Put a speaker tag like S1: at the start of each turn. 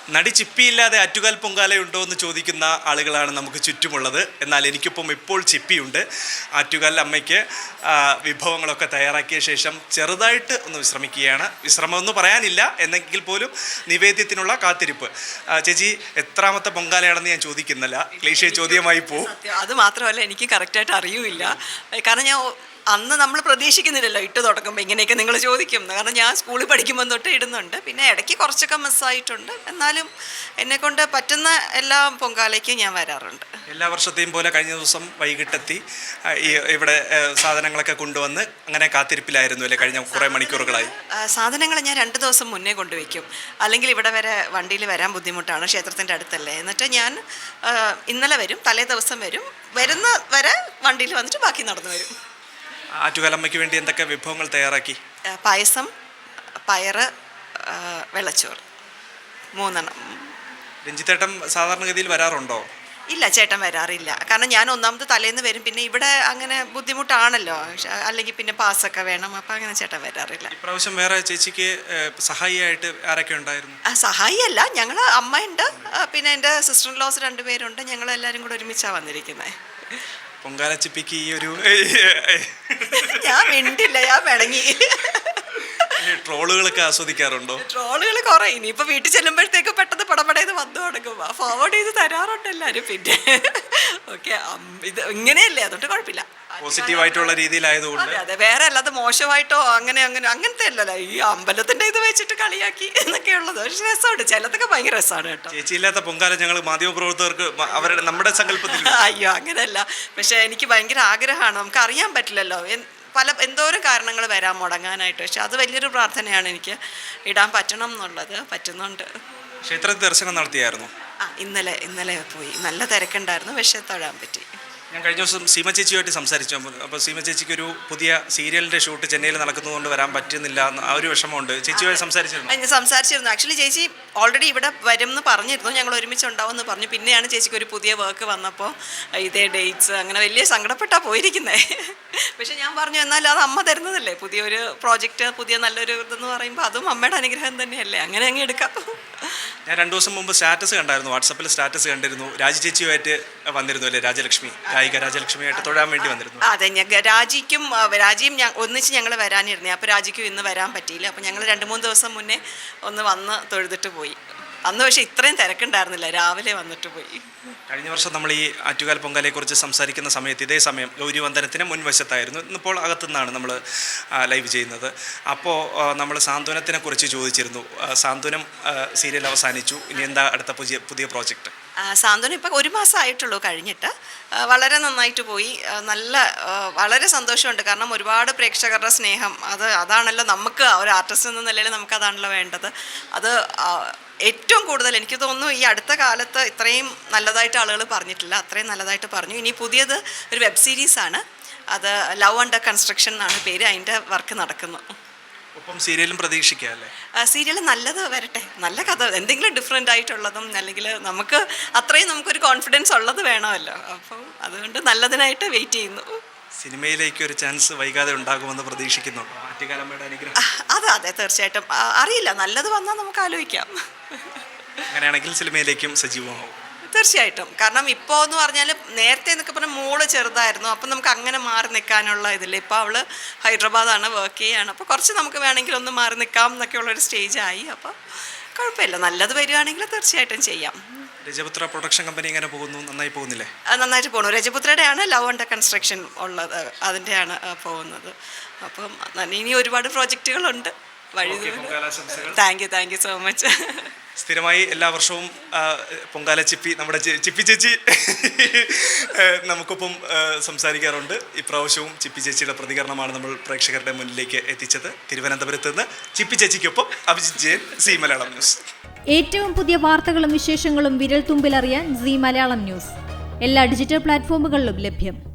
S1: നടി ചിപ്പിയില്ലാതെ ആറ്റുകാൽ പൊങ്കാലയുണ്ടോ എന്ന് ചോദിക്കുന്ന ആളുകളാണ് നമുക്ക് ചുറ്റുമുള്ളത്. എന്നാൽ എനിക്കൊപ്പം ഇപ്പോൾ ചിപ്പിയുണ്ട്. ആറ്റുകാൽ അമ്മയ്ക്ക് വിഭവങ്ങളൊക്കെ തയ്യാറാക്കിയ ശേഷം ചെറുതായിട്ട് ഒന്ന് വിശ്രമിക്കുകയാണ്. വിശ്രമമൊന്നും പറയാനില്ല, എന്നെങ്കിൽ പോലും നിവേദ്യത്തിനുള്ള കാത്തിരിപ്പ്. ചേച്ചി, എത്രാമത്തെ പൊങ്കാലയാണെന്ന് ഞാൻ ചോദിക്കുന്നില്ല, ക്ലീശേ ചോദ്യമായി പോകും.
S2: അത് മാത്രമല്ല, എനിക്ക് കറക്റ്റായിട്ട് അറിയൂല. കാരണം ഞാൻ അന്ന് നമ്മൾ പ്രതീക്ഷിക്കുന്നില്ലല്ലോ ഇട്ട് തുടങ്ങുമ്പോൾ ഇങ്ങനെയൊക്കെ നിങ്ങൾ ചോദിക്കും. കാരണം ഞാൻ സ്കൂളിൽ പഠിക്കുമ്പോൾ തൊട്ട് ഇടുന്നുണ്ട്. പിന്നെ ഇടയ്ക്ക് കുറച്ചൊക്കെ മിസ്സായിട്ടുണ്ട്. എന്നാലും എന്നെക്കൊണ്ട് പറ്റുന്ന എല്ലാ പൊങ്കാലയ്ക്കും ഞാൻ വരാറുണ്ട്.
S1: എല്ലാ വർഷത്തെയും പോലെ കഴിഞ്ഞ ദിവസം വൈകിട്ടെത്തി ഇവിടെ സാധനങ്ങളൊക്കെ കൊണ്ടുവന്ന് അങ്ങനെ കാത്തിരിപ്പിലായിരുന്നു അല്ലേ കഴിഞ്ഞ കുറേ മണിക്കൂറുകളായി?
S2: സാധനങ്ങൾ ഞാൻ 2 ദിവസം മുന്നേ കൊണ്ടുവയ്ക്കും. അല്ലെങ്കിൽ ഇവിടെ വരെ വണ്ടിയിൽ വരാൻ ബുദ്ധിമുട്ടാണ്, ക്ഷേത്രത്തിൻ്റെ അടുത്തല്ലേ. എന്നിട്ട് ഞാൻ ഇന്നലെ വരും, തലേ ദിവസം വരും, വരുന്ന വരെ വണ്ടിയിൽ വന്നിട്ട് ബാക്കി നടന്നു വരും.
S1: ആറ്റുകാലമ്മയ്ക്ക് വേണ്ടി എന്തൊക്കെ വിഭവങ്ങൾ തയ്യാറാക്കി?
S2: പായസം, പയറ്, വെള്ളച്ചോറ്, 3
S1: രഞ്ജിത്തേട്ടൻ സാധാരണഗതിയിൽ വരാറുണ്ടോ?
S2: ഇല്ല, ചേട്ടൻ വരാറില്ല. കാരണം ഞാൻ ഒന്നാമത് തലേന്ന് വരും, പിന്നെ ഇവിടെ അങ്ങനെ ബുദ്ധിമുട്ടാണല്ലോ, അല്ലെങ്കിൽ പിന്നെ പാസ്സൊക്കെ വേണം. അപ്പം അങ്ങനെ ചേട്ടൻ വരാറില്ല.
S1: ഇപ്രാവശ്യം വേറെ ചേച്ചിക്ക് സഹായിയായിട്ട് ആരൊക്കെ ഉണ്ടായിരുന്നു?
S2: സഹായിയല്ല, ഞങ്ങൾ അമ്മയുണ്ട്, പിന്നെ എൻ്റെ സിസ്റ്റർ ഇൻ ലോസ് 2 പേരുണ്ട്. ഞങ്ങളെല്ലാവരും കൂടെ ഒരുമിച്ചാണ് വന്നിരിക്കുന്നത്.
S1: പൊങ്കാലച്ചിപ്പിക്ക് ഈ ഒരു
S2: ഞാൻ മിണ്ടില്ല, ഞാൻ പിണങ്ങി.
S1: ട്രോളുകളൊക്കെ ആസ്വദിക്കാറുണ്ടോ?
S2: ട്രോളുകൾ കുറേ. ഇനിയിപ്പോൾ വീട്ടിൽ ചെല്ലുമ്പോഴത്തേക്ക് പെട്ടെന്ന് പടപടേന്ന് വന്നു തുടങ്ങും. ഫോർവേഡ് ചെയ്ത് തരാറുണ്ട് എല്ലാവരും. പിന്നെ ഓക്കെ, ഇത് ഇങ്ങനെയല്ലേ, അതുകൊണ്ട് കുഴപ്പമില്ല.
S1: പോസിറ്റീവായിട്ടുള്ള രീതിയിലായതുകൊണ്ട്.
S2: അതെ, വേറെ അല്ലാതെ മോശമായിട്ടോ അങ്ങനത്തെ അല്ലല്ലോ. ഈ അമ്പലത്തിൻ്റെ ഇത് വെച്ചിട്ട് കളിയാക്കി എന്നൊക്കെയുള്ളത്. പക്ഷെ രസമുണ്ട്, ചിലതൊക്കെ ഭയങ്കര രസമാണ് കേട്ടോ.
S1: ചേച്ചിയില്ലാത്ത പൊങ്കാല ഞങ്ങൾ മാധ്യമപ്രവർത്തകർക്ക് അവരുടെ നമ്മുടെ സങ്കല്പത്തിൽ
S2: അയ്യോ അങ്ങനെയല്ല. പക്ഷെ എനിക്ക് ഭയങ്കര ആഗ്രഹമാണ്. നമുക്ക് അറിയാൻ പറ്റില്ലല്ലോ, എന്തോരം കാരണങ്ങൾ വരാൻ മുടങ്ങാനായിട്ട്. പക്ഷെ അത് വലിയൊരു പ്രാർത്ഥനയാണ് എനിക്ക്, ഇടാൻ പറ്റണം എന്നുള്ളത്. പറ്റുന്നുണ്ട്.
S1: ക്ഷേത്രത്തിൽ ദർശനം നടത്തിയായിരുന്നു?
S2: ഇന്നലെ പോയി. നല്ല തിരക്കുണ്ടായിരുന്നു, പക്ഷെ തൊഴാൻ പറ്റി.
S1: ഞാൻ കഴിഞ്ഞ ദിവസം സീമ ചേച്ചിയുമായിട്ട് സംസാരിച്ചു. അപ്പോൾ സീമ ചേച്ചിക്ക് ഒരു പുതിയ സീരിയലിൻ്റെ ഷൂട്ട് ചെന്നൈയിൽ നടക്കുന്നതുകൊണ്ട് വരാൻ പറ്റുന്നില്ല, ആ ഒരു വിഷമമുണ്ട്. ചേച്ചിയുമായി
S2: സംസാരിച്ചിരുന്നു. ആക്ച്വലി ചേച്ചി ഓൾറെഡി ഇവിടെ വരും എന്ന് പറഞ്ഞിരുന്നു, ഞങ്ങൾ ഒരുമിച്ച് ഉണ്ടാവും എന്ന് പറഞ്ഞു. പിന്നെയാണ് ചേച്ചിക്ക് ഒരു പുതിയ വർക്ക് വന്നപ്പോൾ ഇതേ ഡേറ്റ്സ് അങ്ങനെ വലിയ സങ്കടപ്പെട്ടാണ് പോയിരിക്കുന്നത്. പക്ഷെ ഞാൻ പറഞ്ഞു, എന്നാൽ അത് അമ്മ തരുന്നതല്ലേ, പുതിയൊരു പ്രോജക്റ്റ്, പുതിയ നല്ലൊരു ഇതെന്ന് പറയുമ്പോൾ അതും അമ്മയുടെ അനുഗ്രഹം തന്നെയല്ലേ, അങ്ങനെ അങ്ങ് എടുക്കാം.
S1: ഞാൻ 2 ദിവസം മുമ്പ് സ്റ്റാറ്റസ് കണ്ടായിരുന്നു, വാട്സപ്പിൽ സ്റ്റാറ്റസ് കണ്ടിരുന്നു. രാജി ചേച്ചിയുമായിട്ട് വന്നിരുന്നു അല്ലേ, രാജലക്ഷ്മി, ഗായിക രാജലക്ഷ്മിയായിട്ട് തൊഴാൻ വേണ്ടി വന്നിരുന്നു.
S2: അതെ, രാജിയും ഒന്നിച്ച് ഞങ്ങൾ വരാനിരുന്നേ. അപ്പോൾ രാജിക്കും ഇന്ന് വരാൻ പറ്റിയില്ല. അപ്പോൾ ഞങ്ങൾ 2-3 ദിവസം മുന്നേ ഒന്ന് വന്ന് തൊഴുതിട്ട് പോയി. അന്ന് പക്ഷേ ഇത്രയും തിരക്കുണ്ടായിരുന്നില്ല, രാവിലെ വന്നിട്ട് പോയി.
S1: കഴിഞ്ഞ വർഷം നമ്മൾ ഈ ആറ്റുകാൽ പൊങ്കാലയെക്കുറിച്ച് സംസാരിക്കുന്ന സമയത്ത് ഇതേ സമയം ഗൗരി വന്ദനത്തിന് മുൻവശത്തായിരുന്നു. ഇന്നിപ്പോൾ അകത്തുനിന്നാണ് നമ്മൾ ലൈവ് ചെയ്യുന്നത്. അപ്പോൾ നമ്മൾ സാന്ത്വനത്തിനെ കുറിച്ച് ചോദിച്ചിരുന്നു. സാന്ത്വനം സീരിയൽ അവസാനിച്ചു, ഇനി എന്താ അടുത്ത പുതിയ പ്രോജക്റ്റ്?
S2: സാന്ത്വനം ഇപ്പോൾ 1 മാസമായിട്ടുള്ളൂ കഴിഞ്ഞിട്ട്. വളരെ നന്നായിട്ട് പോയി. വളരെ സന്തോഷമുണ്ട്. കാരണം ഒരുപാട് പ്രേക്ഷകരുടെ സ്നേഹം, അതാണല്ലോ നമുക്ക് ഒരു ആർട്ടിസ്റ്റ് എന്ന നിലയിൽ നമുക്കതാണല്ലോ വേണ്ടത്. അത് ഏറ്റവും കൂടുതൽ എനിക്ക് തോന്നുന്നു ഈ അടുത്ത കാലത്ത് ഇത്രയും നല്ലതായിട്ട് ആളുകൾ പറഞ്ഞിട്ടില്ല, അത്രയും നല്ലതായിട്ട് പറഞ്ഞു. ഇനി പുതിയത് ഒരു വെബ് സീരീസാണ്, അത് ലവ് അണ്ടർ കൺസ്ട്രക്ഷൻ എന്നാണ് പേര്. അതിൻ്റെ വർക്ക് നടക്കുന്നു.
S1: ഒപ്പം സീരിയലും പ്രതീക്ഷിക്കാം അല്ലേ?
S2: സീരിയൽ നല്ലത് വരട്ടെ, നല്ല കഥ, എന്തെങ്കിലും ഡിഫറെൻ്റ് ആയിട്ടുള്ളതും, അല്ലെങ്കിൽ നമുക്കൊരു കോൺഫിഡൻസ് ഉള്ളത് വേണമല്ലോ. അപ്പം അതുകൊണ്ട് നല്ലതിനായിട്ട് വെയിറ്റ് ചെയ്യുന്നു.
S1: സിനിമയിലേക്ക് ഒരു ചാൻസ് വൈകാതെ ഉണ്ടാകുമെന്ന് പ്രതീക്ഷിക്കുന്നുണ്ടോ? ആറ്റുകാലമ്മയുടെ അനുഗ്രഹം.
S2: അതെ, തീർച്ചയായിട്ടും. അറിയില്ല, നല്ലത് വന്നാൽ നമുക്ക് ആലോചിക്കാം.
S1: അങ്ങനെയാണെങ്കിൽ സിനിമയിലേക്കും സജീവമാവും.
S2: തീർച്ചയായിട്ടും. കാരണം ഇപ്പോൾ എന്ന് പറഞ്ഞാൽ നേരത്തെ എന്നൊക്കെ പറഞ്ഞാൽ മോള് ചെറുതായിരുന്നു, അപ്പം നമുക്ക് അങ്ങനെ മാറി നിൽക്കാനുള്ള ഇതില്ല. ഇപ്പോൾ അവൾ ഹൈദരാബാദാണ്, വർക്ക് ചെയ്യുകയാണ്. അപ്പോൾ കുറച്ച് നമുക്ക് വേണമെങ്കിൽ ഒന്ന് മാറി നിൽക്കാം എന്നൊക്കെയുള്ളൊരു സ്റ്റേജായി. അപ്പോൾ കുഴപ്പമില്ല, നല്ലത് വരികയാണെങ്കിൽ തീർച്ചയായിട്ടും ചെയ്യാം.
S1: രജപുത്ര പ്രൊഡക്ഷൻ കമ്പനി എങ്ങനെ പോകുന്നു? നന്നായി പോകുന്നില്ലേ?
S2: നന്നായിട്ട് പോകുന്നു. രജപുത്രയുടെയാണ് ലവ് അണ്ടർ കൺസ്ട്രക്ഷൻ ഉള്ളത്, അതിൻ്റെയാണ് പോകുന്നത്. അപ്പം ഇനി ഒരുപാട് പ്രോജക്റ്റുകളുണ്ട് വഴി. Thank you so much.
S1: സ്ഥിരമായി എല്ലാ വർഷവും പൊങ്കാല ചിപ്പി, നമ്മുടെ ചിപ്പി ചേച്ചി നമുക്കൊപ്പം സംസാരിക്കാറുണ്ട്. ഇപ്രാവശ്യവും ചിപ്പി ചേച്ചിയുടെ പ്രതികരണമാണ് നമ്മൾ പ്രേക്ഷകരുടെ മുന്നിലേക്ക് എത്തിച്ചത്. തിരുവനന്തപുരത്ത് നിന്ന് ചിപ്പി ചേച്ചിക്കൊപ്പം അഭിജിത്ത് ജയൻ, സി മലയാളം ന്യൂസ്.
S3: ഏറ്റവും പുതിയ വാർത്തകളും വിശേഷങ്ങളും വിരൽ തുമ്പിലറിയാൻ സി മലയാളം ന്യൂസ് എല്ലാ ഡിജിറ്റൽ പ്ലാറ്റ്ഫോമുകളിലും ലഭ്യം.